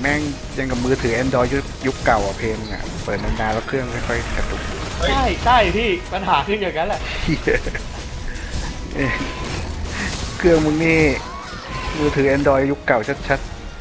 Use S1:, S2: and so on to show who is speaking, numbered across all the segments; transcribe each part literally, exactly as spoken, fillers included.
S1: ม่งยังกับมือถือ Android ยุคยุคเก่าอ่ะเพลงอ่ะเปิดนานๆแล้วเครื่องค่อยๆกระตุก
S2: ใช่ใช่พี่ปัญหาขึ้นอย่างนั้นแหละ
S1: เหี้ยเอ้ยเครื่องมึงนี่มือถือ Android ยุคเก่าชัด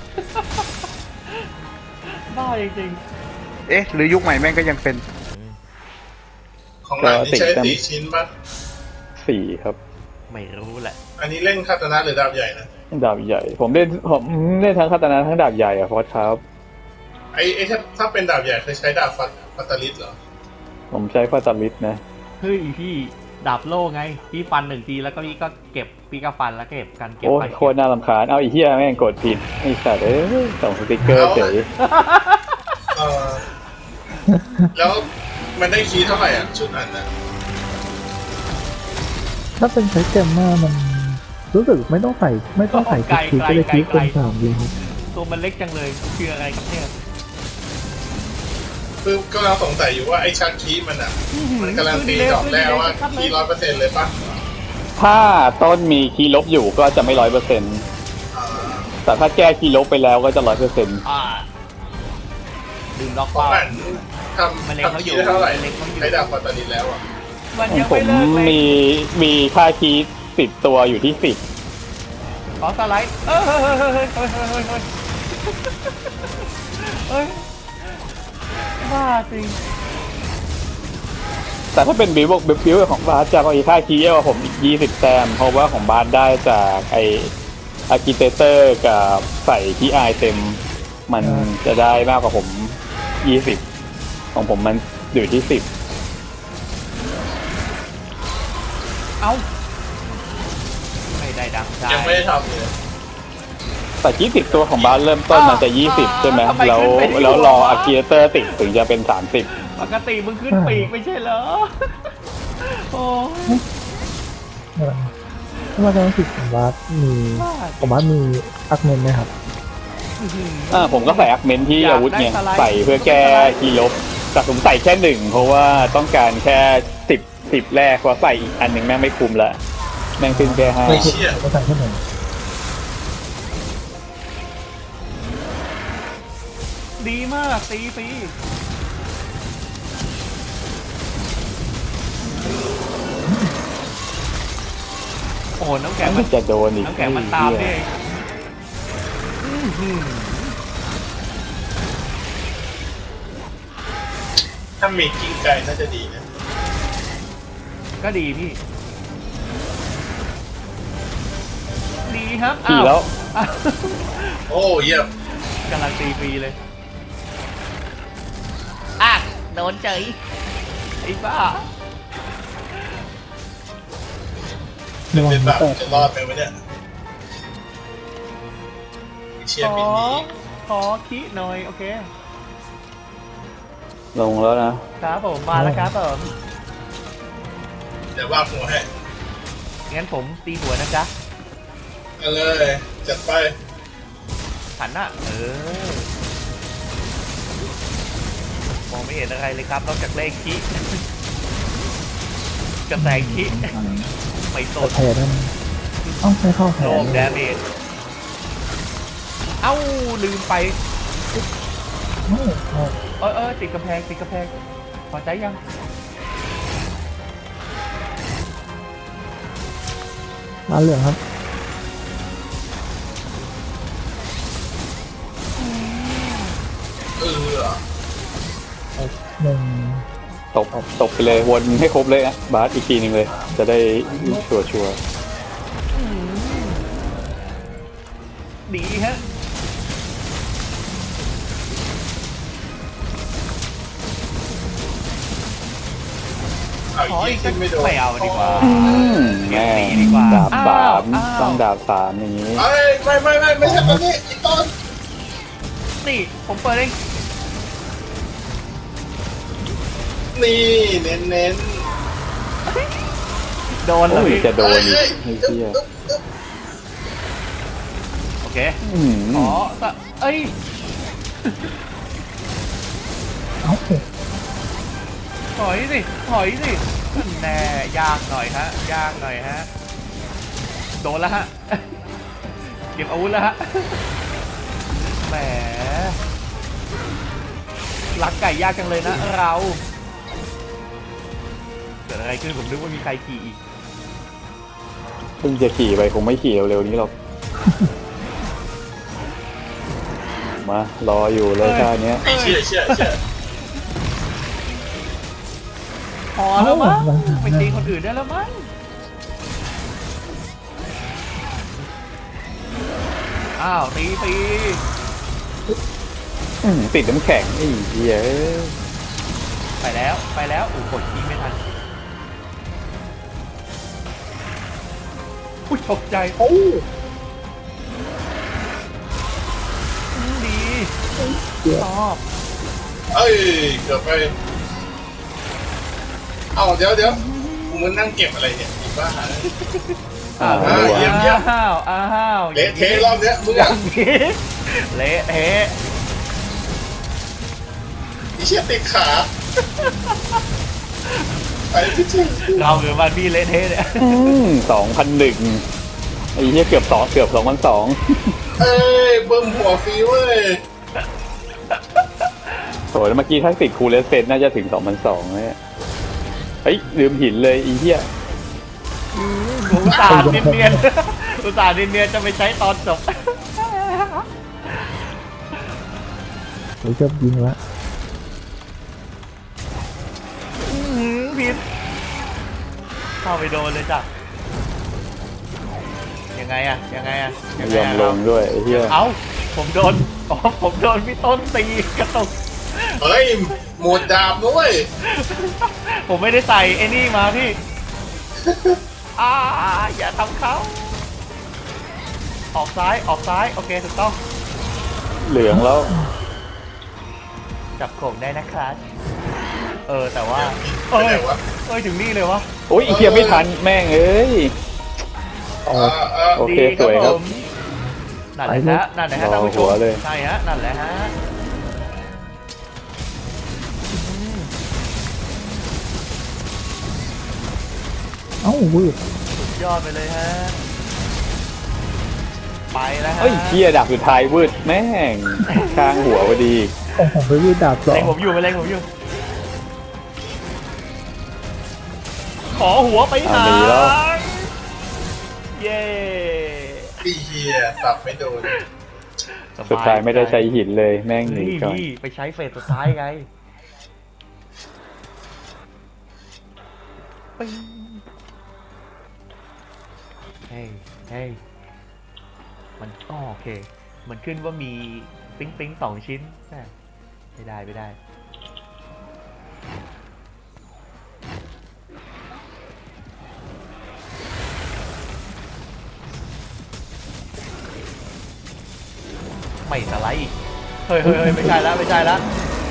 S2: บ้าจริง
S1: ๆเอ๊ะหรือยุคใหม่แม่งก็ยังเป็น
S3: ของหลังนี่ใช้สี่ชิ้นป่ะ
S4: สี่ครับ
S2: ๆไม่รู้แหละ
S3: อันนี้เล่นคาตานะหรือดาบใหญ่นะ
S4: ดาบใหญ่ ผมเล่นผมเล่นทั้งคาตานะทั้งดาบใหญ่อะพอดครับ
S3: ไอ้ไอ้ถ้าถ้าเป็นดาบใหญ่เคยใช้ดาบฟัตฟัตตาลิสเหรอ
S4: ผมใช้ฟาตาลิสนะ
S2: เฮ้ยพี่ดาบโล่ไงพี่ฟันหนึ่งทีแล้วก็พี่ก็เก็บพี่ก็ฟันแล้วก็เก็บกันเก็บ
S4: โอ้
S2: ไป
S4: ยโคตรน่ารำคาญเอาอีเหี้ยแม่งกดผิดไอ้สัตว์เอ้ยส่งสติ๊กเกอร์เฉย
S3: เออแล้วมันได้คีย์เท่าไหร่อ่ะชุดนั้นนะ
S5: ถ้าเป็นใช้เกมมามันรู้สึกไม่ต้องใส่ไม่ต้องใส่ทุกทีก็เลยคิดเป็นสามเลยครับ
S2: ตัวมันเล็กจังเลยคืออะไรครับเนี่ย
S3: คือก็เราสงสัยอยู่ว่าไอ้ชักคีย์มันอ่ะมันกำลังตีดอกแล้วว่าคีย์ร้อยเปอร์เซ็นต์เลยป่ะ
S4: ถ้าต้นมีคีย์ลบอยู่ก็จะไม่ร้อยเปอร์เซ็นต์
S3: อ่า
S4: แต่ถ้าแก้คีย์ลบไปแล้วก็จะร้อยเปอร์เซ็นต์
S2: อ่าดึงล็อก
S3: ของ
S2: เป้า
S3: อันทำทำคีย์ได้เท่าไหร่ใช้ดาบฟัตตาลิสแล้วอ่ะ
S2: มันยัง
S4: ผ
S2: ไม่
S4: ม
S2: เลิกเลย
S4: มีมีค่าคีย์ติดตัวอยู่ที่สิบ
S2: ขอสไลด์เฮ้ยเฮ้ยเฮ้ยเฮ้ยเฮ้ยเฮ้ยเฮ้ยเฮ้ยบ้าจริง
S4: แต่ถ้าเป็นบิวบิวบิวของบาสจะมีค่าคีย์เยอะกว่าผมอีกยี่สิบแต้มเพราะว่าของบาสได้จากไออาร์คิเตเตอร์กับใส่ที่ไอเต็มมันจะได้มากกว่าผมยี่สิบของผมมันอยู่ที่สิบ
S2: เอ้าไม่ได้ดังใจ
S3: ยังไม่ได้ทำเลย
S4: แต่ยี่สิบตัวของบาสเริ่มต้นมันจะยี่สิบใช่ไหมแล้วแล้วรออาร์คิเตเตอร์ติดถึงจะเป็นสามสิบ
S2: ปกติมึงขึ้นปีกไม่ใช่เหรอโอ้ย
S5: เออถ้ามาจะรู้สึกผมว่ามีผมว่ามีอักเมนไหมครับ
S4: อ่าผมก็ใส่อักเมนที่อาวุธเนี่ยใส่เพื่อแก้คีย์ลบแต่ผมใส่แค่หนึ่งเพราะว่าต้องการแค่สิบสิบแรกเพราะใส่อีกอันหนึ่งแม่งไม่คุ้มละแม่งขึ้นแค่ห้า
S3: ไม่เชื่อ
S5: ก็ใส่แค่หนึ่ง
S2: ดีมากตีฟรีโอ้โหน้ำแข็ง
S4: มั
S2: มัน น
S4: จะโดนอีก
S2: น้ำแข็งมันตามนี่เองอื้อหือ
S3: ถ้ามีกิ้งไก่น่าจะดีนะ
S2: ก็ดีพี่ ดีครับ
S4: ขี่แล้ว
S2: อ้าว
S3: โอ้เยี่ยม
S2: กำลังตีฟรีเลยอ่ะโดนเจยไอ้บ้า
S5: ระวัง
S3: เป็นแบ
S5: นะ
S3: บ
S5: แต่
S3: จะรอดไปไหมเนี่ยเชีย
S2: ข
S3: ร์
S2: อ
S3: บินนี้
S2: ขอคิหน่อย โอเค
S4: ลงแล้วนะ
S2: ครับผม มาแล้วครับผม
S3: เดี๋ยวว่าหัวให้
S2: งั้นผมตีหัวนะจ๊ะ
S3: เอาเลยจัดไป
S2: หันหน้าเออ มองไม่เห็นอะไรเลยครับ นอกจากเลขคิกระแสคิไม่ส
S5: แต่
S2: น
S5: แพ้นั่นต้องใช้เข้าแพ้
S2: โลมแดเมจเอ้า ลืมไป
S5: ไม่ไม่
S2: เออเออติดกำแพง ติดกำแพง พอใจยัง
S5: ร้านเหลืองครับ
S3: เออ
S5: หนึ่ง
S4: ตบตบไปเลยวนให้ครบเลยนะบาสอีกทีหนึ่งเลย จะได้ชัวร์ชัวร์
S2: ดีฮะ
S3: เอา
S2: ขอ
S3: อี
S2: อี
S3: ก
S2: ก
S3: ที
S2: สัก
S3: ไม่โดน
S2: ไม่เอาดีกว่า
S4: อืมแม่ง
S2: ดีกว่า
S4: ดาบสาม
S2: อ้าว
S4: ต้องดาบสามอย่างนี้
S3: เอ้ยไม่ไม่ไม่ไม่ใช่ตอนนี้อีกตอน
S2: นี่ ผมเปิดเอง
S3: นี่เน้นเน้น
S2: โดนเล
S4: โอ้ย
S2: ย
S4: จะโดนอีกไอ้เหี้ย
S2: โอเค
S4: อืม
S2: ขอสะเอ้ย
S5: เอ้า
S2: ถอยสิ ถอยสินั่นแน่ยากหน่อยฮะ ยากหน่อยฮะ โดนแล้วฮะ เก็บอาวุธแล้วฮะ แหมมรักไก่ยากจังเลยนะเราเกิดอะไรขึ้นผมนึกว่ามีใครขี่อีก
S4: เพิ่งจะขี่ไปคงไม่ขี่เร็วๆนี้หรอก มารออยู่เลยท่าเนี้ย
S3: ไอ้เชื่อเชื่อเชื่อ
S2: พอแล้วมั้งไปตีคนอื่นได้แล้วมั้งอ้าวตีตี
S4: อื้อติดน้ำแข็งไอ้เหี้ย
S2: ไปแล้วไปแล้วอู้กดคีย์ไม่ทันอุ้ยตกใจ
S5: โอ้
S2: อืมดี
S5: เดี๋ยว
S2: ชอบ
S3: เอ้ยเกือบไปเอ้าเดี๋ยวเดี๋ยวกูมันนั่งเก็บอะไรเนี่ยอีบ้า
S4: อ้าว
S3: อ่าเยี่ยมเยี่ยม
S2: อ้าวอ้าว
S3: เละเทะรอบเนี้ยมึง
S2: อย่า
S3: อ่ะ
S2: งนี้เละเทะ
S3: ไอ้เชี่ยติดขาไปพี่จิง
S2: เราหรือมันพี่เละเทะเนี่ย
S4: สองพันหนึ่งไอ้เหี้ยเกือบสองเกือบสองพันสอง
S3: เอ้ยเบิ่มหัวฟรีเว้ย
S4: โถแล้วเมื่อกี้ถ้าติดคูลเลสเซนน่าจะถึงสองพันสองเนี่ยเฮ้ยลืมหินเลยไอ้เหี้ย
S2: อุตส่าห์เนียนๆอุตส่าห์เนียนๆจะไปใช้ตอนจบ
S5: ผมชอบยิงละ
S2: อื้อหือผิดเข้าไปโดนเลยจ้ะยังไงอะยังไงอะ
S4: ไม่
S2: ง
S4: ย
S2: ไง
S4: อม
S2: อะ
S4: ลงด้วยไอ้เหี้ย
S2: เอ้าผมโดนอ๋อผมโดนพี่ต้นตีกระตุก
S3: เฮ้ยหมดดาบด้วย
S2: ผมไม่ได้ใส่ไอ้นี่มาพี่อ่าอย่าทำเขาออกซ้ายออกซ้ายโอเคถูกต้อง
S4: เหลืองแล้ว
S2: จับโขงได้นะครับเออแต่ว่า
S3: ไป
S2: เอ้
S3: ไหน
S2: ยว
S3: ะ
S2: เอ้ยถึงนี่เลยวะ
S4: โอ้ยไอ้เหี้ยไม่ทันแม่งเอ้ย
S3: เออเออ
S4: โอเคสวยครับ
S2: ผมนั่นแหละฮะนั่นแหละฮะท่านผู้ช
S4: รอหั
S2: ม
S4: วเลย
S2: ใช่ฮะนั่นแหละฮะอืม
S5: เอ้าวืด
S2: สุดยอดไปเลยฮะไปแล้วฮะ
S4: เฮ้ยเหี้ยดับสุดท้ายวืดแม่งข้างหัวพอดี
S5: ของผมไปวืดดาบสอ
S2: เล็ง
S5: ง
S2: ผมอยู่ไปเล็งผมอยู่ขอหัวไปหา
S4: อ่ะดีแล้ว
S2: เย้
S3: ไอ้เหี้ยตับไม่โดน
S4: สุดท้ายไม่ได้ใช้หินเลยแม่งหนี
S2: นี่
S4: ก่อน
S2: พี่ไปใช้เฟสสุดท้ายไงปิ๊งเฮ้ยเฮ้ยมันอ๋อโอเค มันขึ้นว่ามีปิ๊งปิ๊งสองชิ้นแหม่ไม่ได้ไม่ได้ ไม่สไลด์อีกเฮ้ยเฮ้ยเฮ้ยไม่ใช่แล้วไม่ใช่แล้ว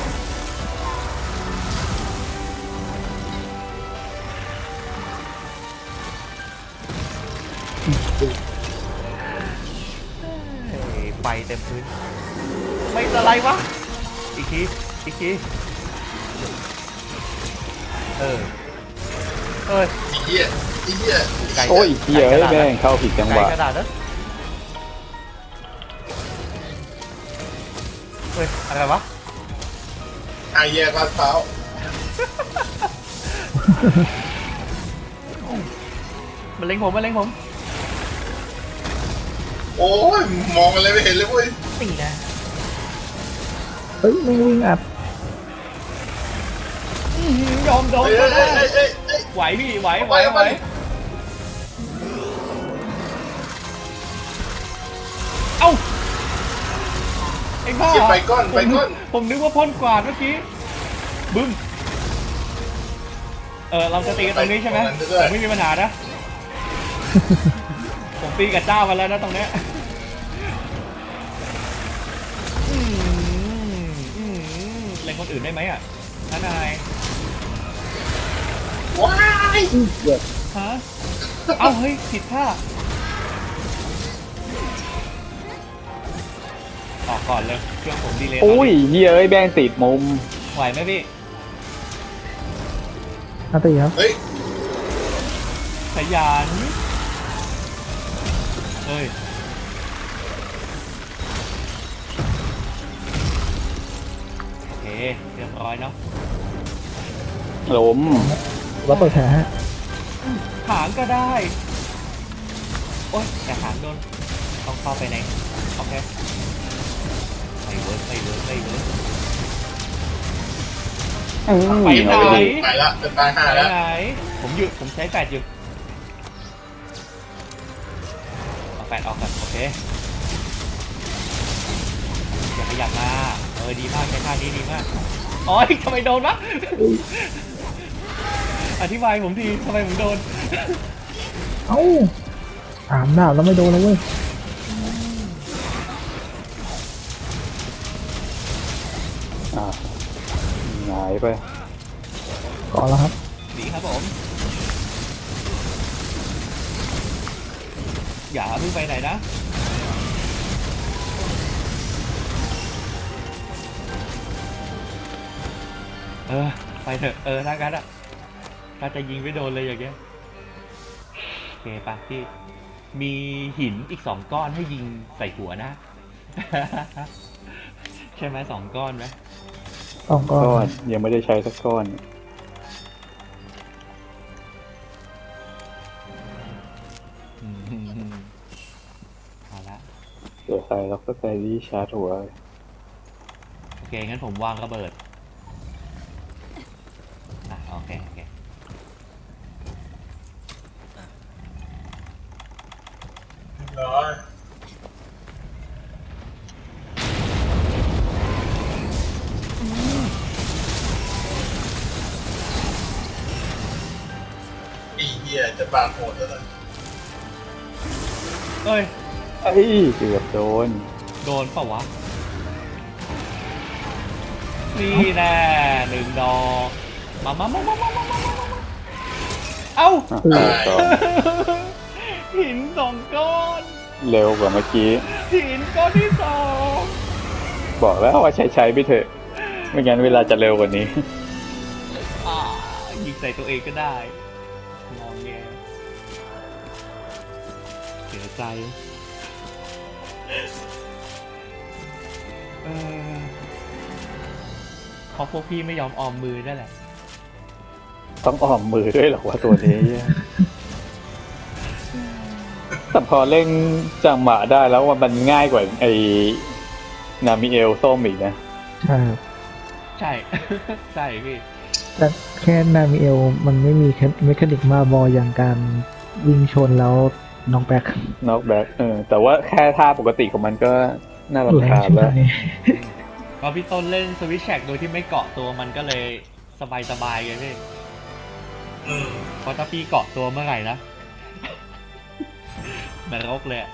S2: เฮ้ยไปเต็มพื้น ไม่สไลด์วะ อีกที อีกที เออ เอ้ย
S3: ไอ้เหี้ยไอ้เหี้ย
S2: ไกล
S4: โอ้ยเหี้ยเอ้ยแม่งเข้าผิดจังห
S2: ไกล
S4: วะ
S2: กระดาษนะเฮ้ย อะไรวะ
S3: ไอ้เหี้ยลาดเท้าว
S2: มันเล็งผมมันเล็งผม
S3: โอ้ยมองอะไรไม่เห็นเลยเว้ย
S2: ตีนะ
S5: เฮ้ยไม่วิ่งอัด
S2: อื้อหือยอมโดน
S3: เอ้ย
S2: ก็
S3: เอ้ย
S2: ได้
S3: เอ้ยเอ้ยเอ้ย
S2: ไหวพี่ไหวไหว
S3: เอา
S2: ไห
S3: ไป
S2: ว
S3: เอาไป
S2: เอ้าไอ้บ้า
S3: เก็บไปก้อนไปก้อน
S2: ผมผมนึกว่าพ่นกวาดเมื่อกี้บึ้มเออเราจะตีกันตรงนี้ใช่ไหมผมไม่มีปัญหานะ ผมตีกับเจ้ากันแล้วนะตรงเนี้ยอืมอืมเล่นคนอื่นได้ไหมอ่ะท่านนาย
S3: ว้าย
S2: ฮะเอ้าเฮ้ยผิดท่าออกก่อนเลยเครื่องผมดีเลย
S4: โอ้ยเหี้ยเอ้ยแม่งติดมุม
S2: ไหวไหมพี่
S5: อันตีครับ
S3: เฮ้ย
S2: ขยันเฮ้ยร้อยเนาะ
S4: ล้ม
S5: แล้วเปิดแผลฮะ
S2: หางก็ได้ โอ๊ยแต่หางโดนต้องเข้าไปในโอเคไม่เวิร์กไม่เวิร์กไม่เวิร์ก
S4: อืม
S2: ไปไหน
S4: เอาไปดิ
S3: ไปละเป็นตายห้า
S2: ไป
S3: แล้ว
S2: ไหนผมหยุดผมใช้แปดอยู่เอาแปดออกก่อนโอเคอย่าขยับมาเออดีมากใช้ท่านี้ดีมากอ๋อทำไมโดนวะอธิบายผมทีทำไมผมโดน
S5: เอ้าสามดาบแล้วไม่โดนเลยเว้ย
S4: อ่าหงายไป
S5: ก่อนแล้วครับ
S2: ดีครับผมอย่าเพิ่งไปไหนนะเออไปเถอะเออถ้างั้นอ่ะถ้าจะยิงไม่โดนเลยอย่างเงี้ยโอเคปะพี่มีหินอีกสองก้อนให้ยิงใส่หัวนะ ใช่ไหมสองก้อนไหม
S5: สองก้อน
S4: ก้อนยังไม่ได้ใช้สักก้อน
S2: อืมเอาละ
S4: เดี๋ยวใส่ล็อกสเตอรี่ชาร์จหัว
S2: โอเคงั้นผมวางระเบิดอ่ะโอเคโอเค
S3: ร้อยอีเหี้ยจะปาโหดแล้วนะ
S2: เอ้ย
S4: ไอ้ยเกือบโดน
S2: โดนเปล่าวะนี่แน่หนึ่งดอกมามามามามามามามาเอ้า
S4: อ่ะเกือบสอง
S2: หินสองก้อน
S4: เร็วกว่าเมื่อกี้
S2: หินก้อนที่สอง
S4: บอกแล้วว่าใช้ใช้ไปเถอะ ไม่งั้นเวลาจะเร็วกว่านี้
S2: อ่ายิงใส่ตัวเองก็ได้งองแงเสียใจเออเพราะพวกพี่ไม่ยอมออมมือนั่นแหละ
S4: ต้องอ้อมมือด้วยเหรอว่าตัวนี้ แต่พอเล่นจังหวะได้แล้วว่ามันง่ายกว่าไอ้นามิเอลส้มอีกนะ
S5: ใช่ครับ
S2: ใช่ ใช่พี่
S5: แต่แค่นามิเอลมันไม่มีเมคานิกมาบออย่างการวิ่งชนแล้วน้องแบ็ค
S4: นอกแบ็คเออ แต่ว่าแค่ท่าปกติของมันก็น่า
S5: แร
S4: รำ
S5: ง
S4: คาญ
S5: ใช่ไหม
S4: แล้ว
S2: พอพี่ต้นเล่นสวิชแชกโดยที่ไม่เกาะตัวมันก็เลยสบายสบายๆไงพี่
S3: อืม
S2: เพราะถ้าพี่เกาะตัวเมื่อไหร่นะ เหมือนรกเลยอะ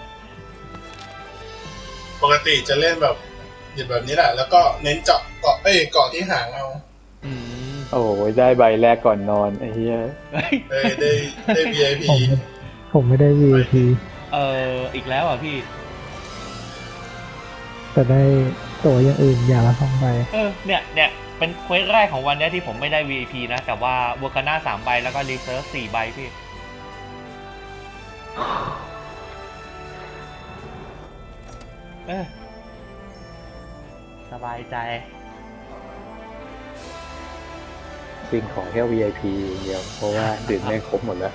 S3: ปกติจะเล่นแบบหยุดแบบนี้แหละ แล้วก็เน้นเจาะเกาะเอ้ยเกาะที่หางเอา
S2: อืม
S4: โอ้ยได้ใบแรกก่อนนอนไอ้เหี้ย
S2: เฮ้ย
S3: ได้ได้ได้ วี ไอ พี
S5: ผมผมไม่ได้ วี ไอ พี
S2: เอออีกแล้วอ่ะพี่
S5: แต่ได้ตัวอย่างอื่นอย่างละสองใบ
S2: เออเนี่ยเนี่ยเป็นเควสแรกของวันเนี้ยที่ผมไม่ได้ วี ไอ พี นะ แต่ว่าวัวคาน่าสามใบแล้วก็รีเซิร์ฟสี่ใบพี่ เออสบายใจ
S4: จริงขอแค่ วี ไอ พี อย่างเดียว เพราะว่าดื่มไม่ครบหมดแล้ว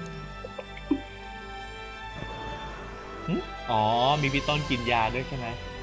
S2: อ๋อ มีพี่ต้นกินยาด้วยใช่ไหม